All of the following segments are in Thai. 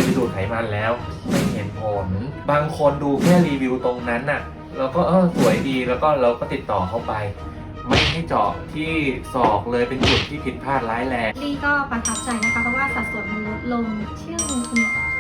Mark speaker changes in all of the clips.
Speaker 1: ไปดูดไขมันแล้วไม่เห็นผลบางคนดูแค่รีวิวตรงนั้นน่ะแล้วก็สวยดีแล้วก็เราก็ติดต่อเข้าไปไม่ให้เจาะที่ศอกเลยเป็นจุดที่ผิดพลาดร้ายแรง
Speaker 2: ลี่ก็ประทับใจนะคะเพราะว่าสัดส่วนมันลดลงชื่อคุณหมอค่ะ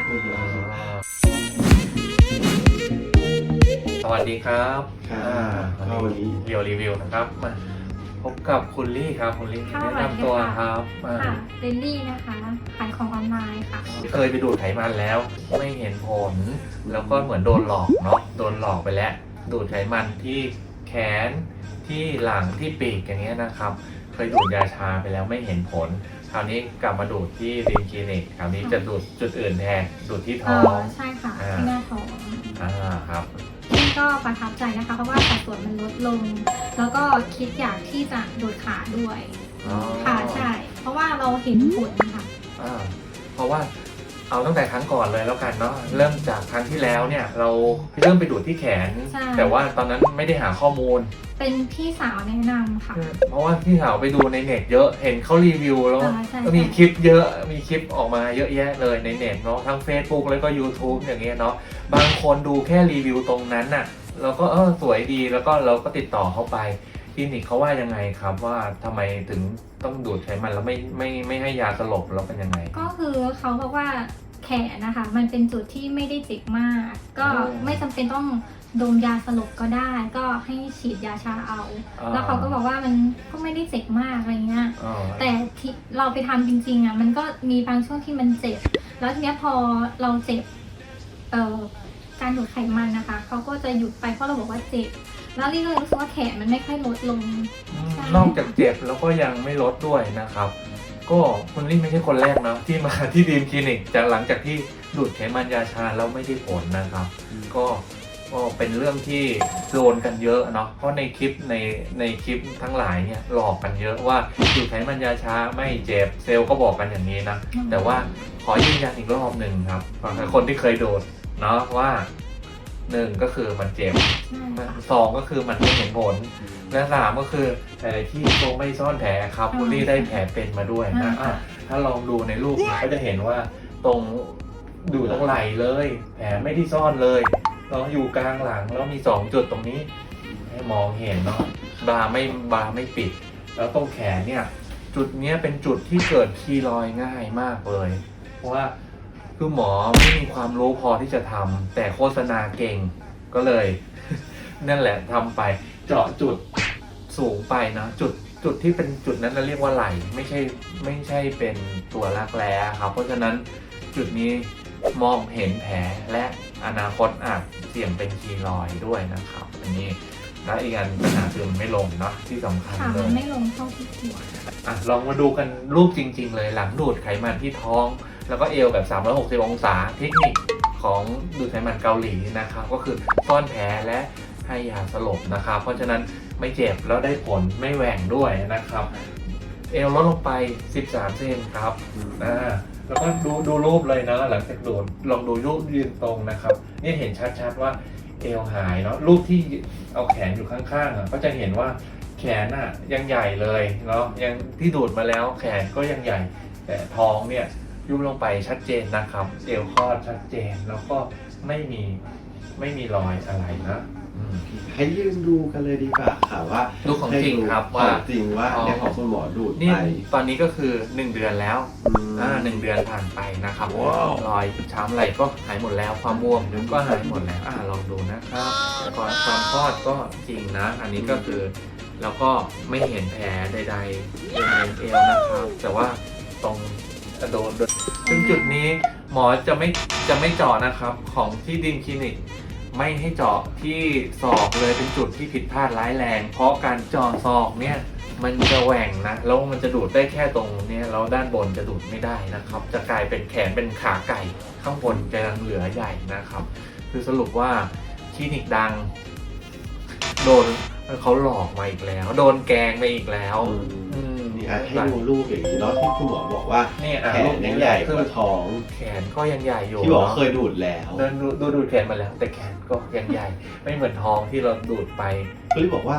Speaker 1: สวัสดีครับ
Speaker 3: วันนี้
Speaker 1: เรียวรีวิวนะครับมาพบกับคุณลี่ครับคุณลี่แนะนำตัวครับ
Speaker 2: ค่ะเรนลี่นะคะขายของออนไลน์ค่ะ
Speaker 1: เคยไปดูดไขมันแล้วไม่เห็นผลแล้วก็เหมือนโดนหลอกเนาะโดนหลอกไปแล้วดูดไขมันที่แขนที่หลังที่ปีกอย่างเงี้ยนะครับเคยดูดยาชาไปแล้วไม่เห็นผลคราวนี้กลับมาดูดที่ริมคลินิกคราวนี้จะดูดจุดอื่นแทนดูดที่ท้อง
Speaker 2: ใช่ค่ะที่หน้าท้อง
Speaker 1: ครับ
Speaker 2: นี่ก็ประทับใจนะคะเพราะว่าสัดส่วนมันลดลงแล้วก็คิดอยากที่จะดูดขาด้วยค่ะใช่เพราะว่าเราเห็นผลค่ะ
Speaker 1: เพราะว่าเอาตั้งแต่ครั้งก่อนเลยแล้วกันเนาะเริ่มจากครั้งที่แล้วเนี่ยเราเริ่มไปดูดที่แขนแต่ว่าตอนนั้นไม่ได้หาข้อมูล
Speaker 2: เป็นพี่สาวแนะนำค่ะ
Speaker 1: เพราะว่าพี่สาวไปดูในเน็ตเยอะเห็นเขารีวิวแล้วก็มีคลิปเยอะมีคลิปออกมาเยอะแยะเลยในเน็ตเนาะทั้ง Facebook แล้วก็ YouTube อย่างเงี้ยเนาะบางคนดูแค่รีวิวตรงนั้นน่ะเราก็สวยดีแล้วก็เราก็ติดต่อเข้าไปคลินิกเขาว่ายังไงครับว่าทำไมถึงต้องดูดไขมันแล้วไม่ให้ยาสลบแล้วเป็นยังไง
Speaker 2: ก็คือเขาบอกว่าแขนนะคะมันเป็นจุดที่ไม่ได้เจ็บมากก็ไม่จำเป็นต้องโดนยาสลบก็ได้ก็ให้ฉีดยาชาเอาแล้วเขาก็บอกว่ามันก็ไม่ได้เจ็บมากอะไรเงี้ยแต่ที่เราไปทำจริงๆอ่ะมันก็มีบางช่วงที่มันเจ็บแล้วทีเนี้ยพอเราเจ็บการดูดไขมันนะคะเขาก็จะหยุดไปเพราะเราบอกว่าเจ็บแล้วลี่ก็เลยรู้สึกว่าแขนมันไม่ค่อยลดลง
Speaker 1: นอกจากเจ็บแล้วก็ยังไม่ลดด้วยนะครับก็คุณลี่ไม่ใช่คนแรกนะที่มาที่ดีมคลินิกจากหลังจากที่ดูดไขมันยาชาแล้วไม่ได้ผลนะครับก็เป็นเรื่องที่โดนกันเยอะเนาะเพราะในคลิปในคลิปทั้งหลายเนี่ยหลอกกันเยอะว่าดูดไขมันยาชาไม่เจ็บเซลล์ก็บอกกันอย่างนี้นะแต่ว่าขอยืนยันอีกรอบหนึ่งครับคนที่เคยโดนเนาะว่า1ก็คือมันเจ็บ2ก็คือมันไม่เห็นผลและ3ก็คือแต่ที่โรงไม่ซ่อนแผลครับคุณลี่ได้แผลเป็นมาด้วยนะถ้าลองดูในรูปก็จะเห็นว่าตรงดูตรงไหล่เลยแผลไม่ได้ซ่อนเลยเราอยู่กลางหลังแล้วมี2จุดตรงนี้ให้มองเห็นเนาะบาไม่ปิดแล้วตรงแขนเนี่ยจุดนี้เป็นจุดที่เกิดคีรอยง่ายมากเลยเพราะว่าคือหมอไม่มีความรู้พอที่จะทำแต่โฆษณาเก่งก็เลยนั่นแหละทำไปเจาะจุดสูงไปนะจุดที่เป็นจุดนั้นเราเรียกว่าไหล่ไม่ใช่เป็นตัวรักแร้ครับเพราะฉะนั้นจุดนี้มองเห็นแผลและอนาคตอาจเสี่ยงเป็นคีรอยด์ด้วยนะครับอันนี้และอีกอันปัญหาคือมันไม่ลงเนาะที่สำคัญเลย
Speaker 2: ไม่ลงเท่าที่ควร
Speaker 1: ลองมาดูกันรูปจริงๆเลยหลังดูดไขมันที่ท้องแล้วก็เอวแบบ360องศาเทคนิคของดูดไขมันเกาหลีนะครับก็คือซ่อนแผลและให้ยาสลบนะครับเพราะฉะนั้นไม่เจ็บแล้วได้ผลไม่แหว่งด้วยนะครับเอวลดลงไป13เซนครับแล้วก็ดูรูปเลยนะหลังจากดูดลองดูรูปยืนตรงนะครับนี่เห็นชัดๆว่าเอวหายเนาะรูปที่เอาแขนอยู่ข้างๆก็จะเห็นว่าแขนยังใหญ่เลยเนาะยังที่ดูดมาแล้วแขนก็ยังใหญ่แต่ท้องเนี่ยยุบลงไปชัดเจนนะครับเอวคลอดชัดเจนแล้วก็ไม่มีรอยอะไรนะ
Speaker 3: ให้ยืนดูกันเลยดีกว่าค่ะว่า
Speaker 1: ดูของจริงครับว่า
Speaker 3: จริงว่าในของคุณหมอดูด
Speaker 1: ไปตอนนี้ก็คือ1เดือนแล้ว1เดือนผ่านไปนะครับรอยช้ำอะไรก็หายหมดแล้วความบวมก็หายหมดแล้วลองดูนะครับก่อนความคลอดก็จริงนะอันนี้ก็คือแล้วก็ไม่เห็นแผลใดๆในเอวนะครับแต่ว่าตรงโดนซึ่งจุดนี้หมอจะไม่เจาะนะครับของที่ดีมคลินิกไม่ให้เจาะที่ศอกเลยเป็นจุดที่ผิดพลาดร้ายแรงเพราะการเจาะศอกเนี่ยมันจะแหว่งนะแล้วมันจะดูดได้แค่ตรงนี้แล้วด้านบนจะดูดไม่ได้นะครับจะกลายเป็นแขนเป็นขาไก่ข้างบนจะยังเหลือใหญ่นะครับคือสรุปว่าคลินิกดังโดนเขาหลอกมาอีกแล้วโดนแกงไปอีกแล้ว
Speaker 3: ให้ดูรูปอย่างนี้เนาะที่คุณหมอบอกว่าแขนยังใหญ่กว่าท้อง
Speaker 1: แขนก็ยังใหญ่อยู่
Speaker 3: ที่บอกเคยดูดแล้ว
Speaker 1: ดูดแขนมาแล้วแต่แขนก็ยังใหญ่ไม่เหมือนท้องที่เราดูดไป
Speaker 3: ก็เลยบอกว่า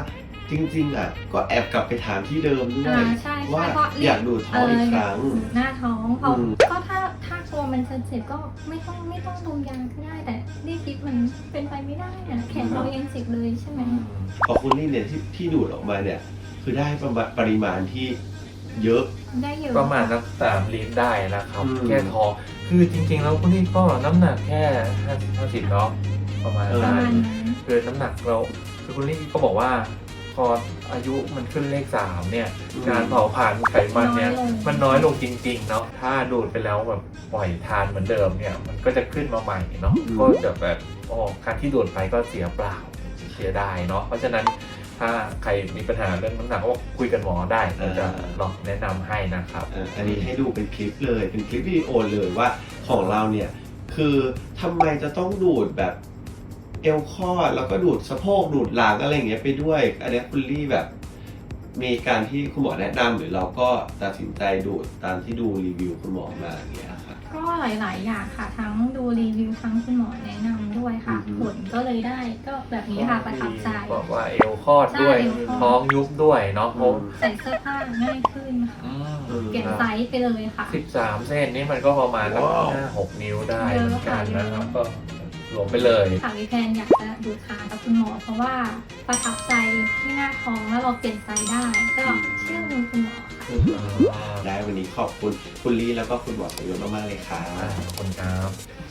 Speaker 3: จริงๆอ่ะก็แอบกลับไปถามที่เดิมด้วย
Speaker 2: ใช่
Speaker 3: ว่า
Speaker 2: เพราะ
Speaker 3: อยากดูดท้องอีกครั้ง
Speaker 2: หน้าท้องเพราะ
Speaker 3: อืม
Speaker 2: ก็ถ้ากลัวมันจะเจ็บก็ไม่ต้องดมยาก็ได้แต่รีบคิดมันเป็นไปไม่ได้นะแขนเรายังเจ็บเลยใช่ไหม
Speaker 3: พอคุณลี่เนี่ยที่ดูดออกมาเนี่ยคือได้ปริมาณที่เยอะ
Speaker 2: ได้เยอะ
Speaker 1: ประมาณสัก3 ลิตรได้นะครับ
Speaker 3: อืม
Speaker 1: แค่ท้องคือจริงๆแล้วคุณนี่ก็น้ำหนักแค่50เนาะประมาณ
Speaker 2: ประ
Speaker 1: นั้
Speaker 2: มาณ
Speaker 1: น
Speaker 2: นั้น
Speaker 1: คือน้ำหนักเราคือคุณลี่ก็บอกว่า พออายุมันขึ้นเลข 3เนี่ยการเผาผลาญไขมันเนี่ยมันน้อยลงจริงๆเนาะถ้าดูดไปแล้วแบบปล่อยทานเหมือนเดิมเนี่ยมันก็จะขึ้นมาใหม่เนาะก็จะแบบการที่ดูดไปก็เสียเปล่าเสียดายเนาะเพราะฉะนั้นถ้าใครมีปัญหาเรื่องน้ำหนักก็คุยกันหมอได้เราจะลองแนะนำให้นะครับ
Speaker 3: อันนี้ให้ดูเป็นคลิปเลยเป็นคลิปวิดีโอเลยว่าของเราเนี่ยคือทำไมจะต้องดูดแบบเอวคลอดแล้วก็ดูดสะโพกดูดหลังอะไรอย่างเงี้ยไปด้วยอันนี้คุณลี่แบบมีการที่คุณหมอแนะนำหรือเราก็ตัดสินใจดูดตามที่ดูรีวิวคุณหมอมาอย่างเงี้ยครับ
Speaker 2: ก็หลายๆอย่างค่ะทั้งดูรีวิวทั้งคุณหมอแนะนำด้วยค่ะ
Speaker 3: อือฮึ
Speaker 2: ผลก็เลยได้ก็แบบนี้ค่ะประทับใจ
Speaker 1: บอกว่าเอวคลอดด้วย
Speaker 2: ใช่เอวคลอด
Speaker 1: ท้องยุบด้วยเนาะเพราะ
Speaker 2: ใส่เสื้อผ้าง่ายขึ้นค่ะ
Speaker 1: อืม
Speaker 2: เปลี่ยนไซส์ไปเลยค่ะ
Speaker 1: 13 เส้นนี่มันก็ประมาณสัก
Speaker 3: ว้าว
Speaker 1: 5-6 นิ้วได้
Speaker 2: เยอะ
Speaker 1: เหมือนกัน
Speaker 2: ค่ะ
Speaker 1: นะครับ
Speaker 2: เยอะ
Speaker 1: ก็รวมไปเลย
Speaker 2: ค่ะวิแพนอยากจะดูดขากับคุณหมอ เพราะว่าประทับใจที่หน้าท้องแล้วเราเปลี่ยนไซส์ได้ ก็เชื่อมือคุณหมอค่ะ
Speaker 3: ได้วันนี้ขอบคุณคุณลี่แล้วก็คุณหมอประโยชน์มากๆเลยค่ะ
Speaker 1: ขอบคุณครับ